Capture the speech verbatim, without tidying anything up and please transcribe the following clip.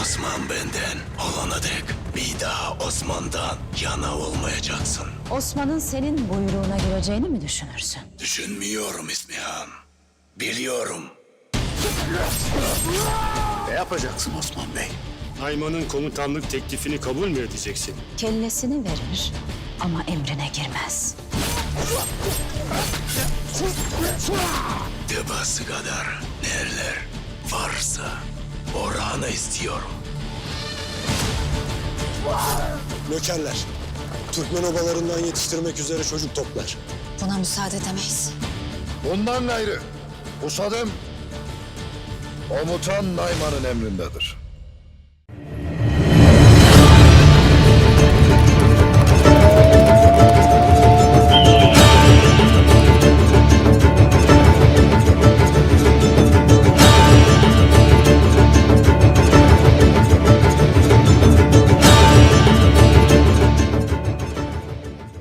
Osman benden olana dek bir daha Osman'dan yana olmayacaksın. Osman'ın senin buyruğuna gireceğini mi düşünürsün? Düşünmüyorum İsmihan. Biliyorum. Ne yapacaksın Osman Bey? Nayman'ın komutanlık teklifini kabul mü edeceksin? Kellesini verir ama emrine girmez. Tebası kadar neler varsa oranı istiyorum. Nökerler, Türkmen obalarından yetiştirmek üzere çocuk toplar. Buna müsaade edemeyiz. Bundan gayrı Usadım komutan Nayman'ın emrindedir.